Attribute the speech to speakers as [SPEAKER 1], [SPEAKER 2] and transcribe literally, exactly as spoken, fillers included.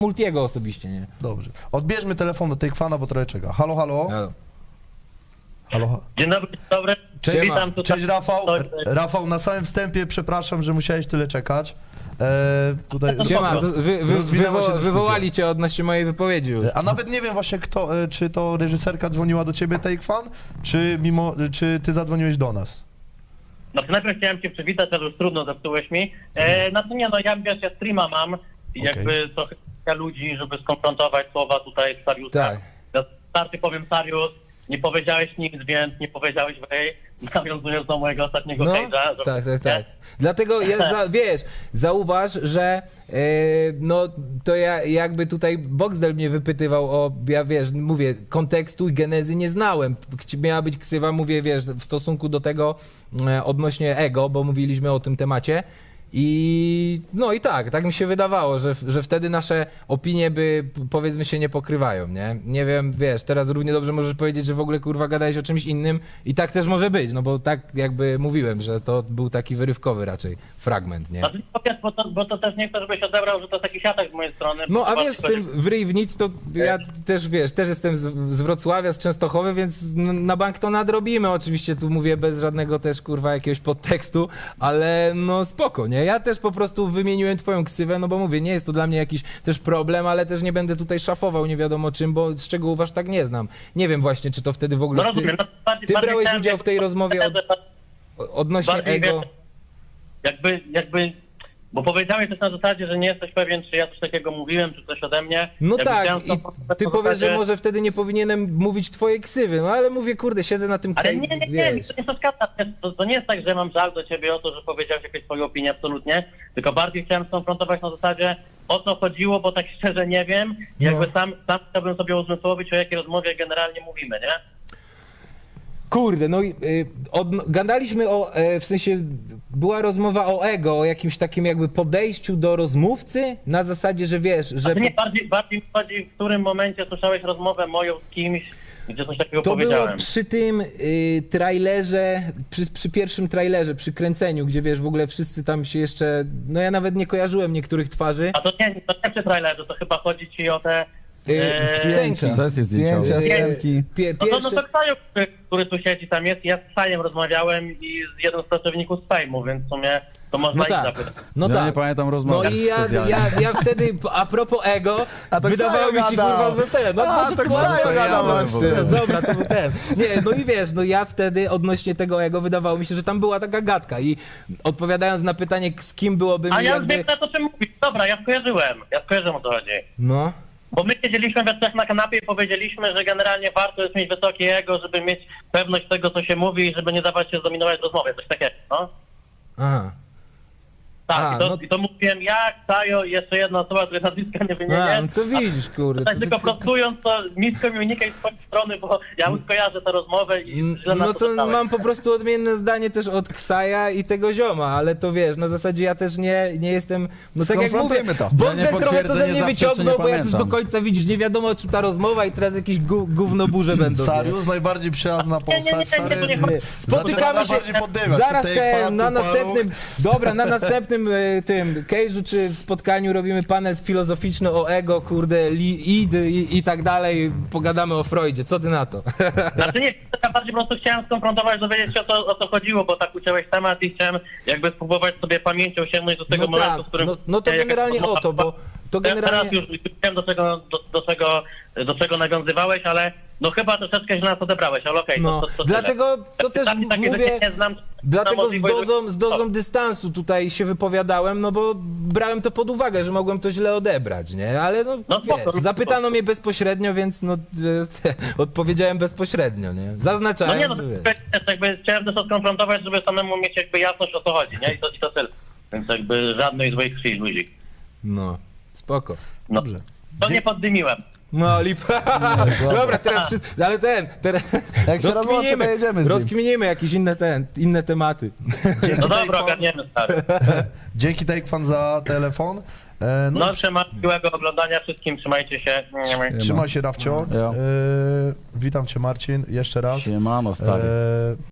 [SPEAKER 1] Multiego osobiście, nie?
[SPEAKER 2] Dobrze. Odbierzmy telefon do tej kwana, bo trochę czeka. Halo, halo?
[SPEAKER 1] Halo.
[SPEAKER 2] Halo. ha-
[SPEAKER 3] Dzień dobry, dzień dobry.
[SPEAKER 2] Cześć,
[SPEAKER 3] Witam tutaj.
[SPEAKER 2] Cześć Rafał.
[SPEAKER 3] Cześć.
[SPEAKER 2] Rafał, na samym wstępie przepraszam, że musiałeś tyle czekać. E, tutaj...
[SPEAKER 1] Siema, z- wy, wy,
[SPEAKER 2] Rozwinęła się
[SPEAKER 1] wywo
[SPEAKER 2] dyskusja.
[SPEAKER 1] wywołali cię odnośnie mojej wypowiedzi.
[SPEAKER 2] A nawet nie wiem właśnie kto, e, czy to reżyserka dzwoniła do ciebie, Take Fan, czy mimo, czy ty zadzwoniłeś do nas?
[SPEAKER 3] Znaczy najpierw chciałem cię przywitać, ale już trudno, zepsułeś mi. E, znaczy nie, no ja wiesz, ja streama mam i
[SPEAKER 2] Okej.
[SPEAKER 3] jakby trochę ludzi, żeby skonfrontować słowa tutaj z Sariusem.
[SPEAKER 1] Tak.
[SPEAKER 3] Ja starty powiem, Sarius, nie powiedziałeś nic, więc nie powiedziałeś wej, nawiązując do mojego ostatniego
[SPEAKER 1] No,
[SPEAKER 3] cage'a. że-
[SPEAKER 1] tak, tak, tak. Dlatego ja, za, wiesz, zauważ, że e, no to ja jakby tutaj Boxdel mnie wypytywał o, ja wiesz, mówię, kontekstu i genezy nie znałem. Chci- Miała być ksywa, mówię, wiesz, w stosunku do tego e, odnośnie ego, bo mówiliśmy o tym temacie. I no i tak, tak mi się wydawało, że, że wtedy nasze opinie by, p- powiedzmy, się nie pokrywają, nie? Nie wiem, wiesz, teraz równie dobrze możesz powiedzieć, że w ogóle, kurwa, gadałeś o czymś innym i tak też może być, no bo tak jakby mówiłem, że to był taki wyrywkowy raczej fragment, nie?
[SPEAKER 3] Znaczy nie powiedz, bo to, bo to też nie chcę, żebyś odebrał, że to jest taki siatek z mojej strony.
[SPEAKER 1] No a
[SPEAKER 3] bo
[SPEAKER 1] wiesz, z
[SPEAKER 3] chodzi-
[SPEAKER 1] tym w ryj w nic, to ja też, wiesz, też jestem z, z Wrocławia, z Częstochowy, więc n- na bank to nadrobimy, oczywiście tu mówię bez żadnego też, kurwa, jakiegoś podtekstu, ale no spoko, nie? Ja też po prostu wymieniłem twoją ksywę, no bo mówię, nie jest to dla mnie jakiś też problem, ale też nie będę tutaj szafował nie wiadomo czym, bo szczegółów aż tak nie znam. Nie wiem właśnie, czy to wtedy w
[SPEAKER 3] No
[SPEAKER 1] ogóle ty,
[SPEAKER 3] rozumiem. No, bardziej,
[SPEAKER 1] ty
[SPEAKER 3] bardziej
[SPEAKER 1] brałeś
[SPEAKER 3] chciałem,
[SPEAKER 1] udział w tej
[SPEAKER 3] żeby-
[SPEAKER 1] rozmowie od, odnośnie
[SPEAKER 3] bardziej,
[SPEAKER 1] ego.
[SPEAKER 3] wiesz, Jakby, jakby, bo powiedziałeś też na zasadzie, że nie jesteś pewien, czy ja coś takiego mówiłem, czy coś ode mnie.
[SPEAKER 1] No
[SPEAKER 3] Jakby
[SPEAKER 1] tak,
[SPEAKER 3] chciałem
[SPEAKER 1] i
[SPEAKER 3] to-
[SPEAKER 1] ty
[SPEAKER 3] na
[SPEAKER 1] powiesz, że
[SPEAKER 3] zasadzie-
[SPEAKER 1] może wtedy nie powinienem mówić twojej ksywy, no ale mówię, kurde, siedzę na tym
[SPEAKER 3] Ale
[SPEAKER 1] kej-
[SPEAKER 3] nie, nie, nie, mi
[SPEAKER 1] wiesz.
[SPEAKER 3] to nie przeszkadza. To, to nie jest tak, że mam żal do ciebie o to, że powiedziałeś jakąś swoją opinię, absolutnie. Tylko bardziej chciałem skonfrontować na zasadzie, o co chodziło, bo tak szczerze nie wiem.
[SPEAKER 1] No.
[SPEAKER 3] Jakby sam, sam chciałbym sobie uzmysłowić, o jakiej rozmowie generalnie mówimy, nie?
[SPEAKER 1] Kurde, no i y, odno- gadaliśmy o, e, w sensie była rozmowa o ego, o jakimś takim jakby podejściu do rozmówcy, na zasadzie, że wiesz, że
[SPEAKER 3] Znaczy nie, bardziej, bardziej mi chodzi, w którym momencie słyszałeś rozmowę moją z kimś, gdzie coś takiego
[SPEAKER 1] to było
[SPEAKER 3] powiedziałem.
[SPEAKER 1] przy tym y, trailerze, przy, przy pierwszym trailerze, przy kręceniu, gdzie wiesz, w ogóle wszyscy tam się jeszcze, no ja nawet nie kojarzyłem niektórych twarzy.
[SPEAKER 3] A to nie, to nie przy trailerze, to chyba chodzi ci o te...
[SPEAKER 1] Y,
[SPEAKER 3] Eee,
[SPEAKER 1] scenki.
[SPEAKER 4] Sesje zdjęciowe.
[SPEAKER 5] Zdjęcia,
[SPEAKER 1] Y,
[SPEAKER 5] scenki.
[SPEAKER 1] pie,
[SPEAKER 3] No to, no
[SPEAKER 1] pierwsze...
[SPEAKER 3] to Ksaju, który, który tu siedzi, tam jest, ja z Ksajem rozmawiałem i z jednym z pracowników z Fejmu, więc w sumie to można
[SPEAKER 1] No
[SPEAKER 3] ich
[SPEAKER 1] tak,
[SPEAKER 3] zapytać.
[SPEAKER 1] no
[SPEAKER 4] Ja
[SPEAKER 1] tak.
[SPEAKER 4] nie pamiętam
[SPEAKER 1] No
[SPEAKER 4] rozmowy
[SPEAKER 1] i ja,
[SPEAKER 4] specjalnie.
[SPEAKER 1] ja, ja wtedy, a propos ego,
[SPEAKER 5] A to
[SPEAKER 1] wydawało mi się,
[SPEAKER 5] Ksajo
[SPEAKER 1] kurwa,
[SPEAKER 5] gadał.
[SPEAKER 1] że ten, no
[SPEAKER 5] A,
[SPEAKER 1] może
[SPEAKER 5] to
[SPEAKER 1] to
[SPEAKER 5] Ksajo
[SPEAKER 1] może to
[SPEAKER 4] gadał
[SPEAKER 1] ja byłem
[SPEAKER 4] właśnie.
[SPEAKER 1] szczery. Dobra, to był ten. Nie, no i wiesz, no ja wtedy odnośnie tego ego wydawało mi się, że tam była taka gadka i odpowiadając na pytanie, z kim byłoby mi
[SPEAKER 3] A ja już
[SPEAKER 1] jakby...
[SPEAKER 3] wiem, na to czym mówisz. Dobra, ja skojarzyłem. Ja skojarzyłem, o co chodzi.
[SPEAKER 1] No,
[SPEAKER 3] Bo my siedzieliśmy we trzech na kanapie i powiedzieliśmy, że generalnie warto jest mieć wysokie ego, żeby mieć pewność tego, co się mówi i żeby nie dawać się zdominować w rozmowie. Coś takiego, no?
[SPEAKER 1] aha.
[SPEAKER 3] Tak,
[SPEAKER 1] A,
[SPEAKER 3] i, to,
[SPEAKER 1] no-
[SPEAKER 3] i to mówiłem ja, Ksajo i jeszcze jedna osoba, której nazwiska nie
[SPEAKER 1] A,
[SPEAKER 3] wymienię.
[SPEAKER 1] no to widzisz, kurde.
[SPEAKER 3] Tak
[SPEAKER 1] to-
[SPEAKER 3] tylko
[SPEAKER 1] to- to-
[SPEAKER 3] prostując to, nisko mi unikaj z twojej strony, bo ja już kojarzę tę rozmowę i źle na
[SPEAKER 1] No
[SPEAKER 3] to
[SPEAKER 1] to
[SPEAKER 3] dostałem.
[SPEAKER 1] mam po prostu odmienne zdanie też od Ksaja i tego zioma, ale to wiesz, na zasadzie ja też nie, nie jestem, no tak jak mówię,
[SPEAKER 5] Skonfrontujmy to.
[SPEAKER 1] Boxer
[SPEAKER 4] Ja nie
[SPEAKER 1] trochę to ze
[SPEAKER 4] potwierdzę,
[SPEAKER 1] mnie
[SPEAKER 4] nie zaprzeczę,
[SPEAKER 1] wyciągnął,
[SPEAKER 4] nie
[SPEAKER 1] bo jak już do
[SPEAKER 4] pamiętam.
[SPEAKER 1] końca widzisz, nie wiadomo czy ta rozmowa i teraz jakieś gó- gównoburze będą. nie?
[SPEAKER 2] Sarius, najbardziej przyjazna
[SPEAKER 3] nie, nie, nie,
[SPEAKER 2] postać,
[SPEAKER 3] nie,
[SPEAKER 2] stary.
[SPEAKER 3] to nie chodzi.
[SPEAKER 1] Spotykamy się
[SPEAKER 2] bardziej poddywać.
[SPEAKER 1] zaraz
[SPEAKER 2] Tutaj
[SPEAKER 1] te,
[SPEAKER 2] Fan,
[SPEAKER 1] na
[SPEAKER 2] tu
[SPEAKER 1] następnym, dobra, na następnym e, tym cage'u czy w spotkaniu robimy panel filozoficzny o ego, kurde, li, id i, i tak dalej, pogadamy o Freudzie, co ty na to?
[SPEAKER 3] Znaczy nie, ja bardziej po prostu chciałem skonfrontować, dowiedzieć się o co, o co chodziło, bo tak uciąłeś temat i chciałem jakby spróbować sobie pamięcią sięgnąć do tego
[SPEAKER 1] No
[SPEAKER 3] momentu,
[SPEAKER 1] tak,
[SPEAKER 3] w którym...
[SPEAKER 1] no, no to
[SPEAKER 3] jakaś
[SPEAKER 1] generalnie
[SPEAKER 3] rozmowa
[SPEAKER 1] o to, bo to
[SPEAKER 3] Ja Teraz
[SPEAKER 1] generalnie...
[SPEAKER 3] już wiem, do czego, do, do, czego, do czego nawiązywałeś, ale no chyba troszeczkę źle nas odebrałeś, ale okej,
[SPEAKER 1] No,
[SPEAKER 3] to, to, to
[SPEAKER 1] dlatego to
[SPEAKER 3] tyle.
[SPEAKER 1] też
[SPEAKER 3] Takie- takie
[SPEAKER 1] mówię,
[SPEAKER 3] rzeczy nie znam,
[SPEAKER 1] dlatego
[SPEAKER 3] na
[SPEAKER 1] z
[SPEAKER 3] możliwość-
[SPEAKER 1] dozą, z dozą dystansu tutaj się wypowiadałem, no bo brałem to pod uwagę, że mogłem to źle odebrać, nie? Ale no,
[SPEAKER 3] No spoko,
[SPEAKER 1] wiesz,
[SPEAKER 3] no
[SPEAKER 1] zapytano mnie bezpośrednio, więc no e, odpowiedziałem bezpośrednio, nie?
[SPEAKER 3] No
[SPEAKER 1] Zaznaczałem,
[SPEAKER 3] nie, no
[SPEAKER 1] że wiesz.
[SPEAKER 3] też jakby chciałem też to skonfrontować, żeby samemu mieć jakby jasność o co chodzi, nie? I to, i to tyle. Więc jakby żadnej złej krwi, luzik.
[SPEAKER 1] No, spoko.
[SPEAKER 3] No,
[SPEAKER 2] Dobrze.
[SPEAKER 3] to nie poddymiłem.
[SPEAKER 1] No, lipa. Dobra, teraz wszyscy, ale ten, teraz
[SPEAKER 5] Jak się rozłączy, to
[SPEAKER 1] rozkminimy,
[SPEAKER 5] jedziemy z nim.
[SPEAKER 1] rozkminimy jakieś inne, ten, inne tematy.
[SPEAKER 2] Dzięki
[SPEAKER 3] No
[SPEAKER 2] Take
[SPEAKER 3] dobra,
[SPEAKER 2] Fan-
[SPEAKER 3] ogarniemy, stary.
[SPEAKER 2] Dzięki Take Fan za telefon. E, no,
[SPEAKER 3] No, trzymaj miłego oglądania wszystkim, trzymajcie się.
[SPEAKER 2] trzymaj się, Rafcio.
[SPEAKER 4] Ja.
[SPEAKER 2] E, witam cię, Marcin, jeszcze raz.
[SPEAKER 4] Siemano, stary.
[SPEAKER 2] E,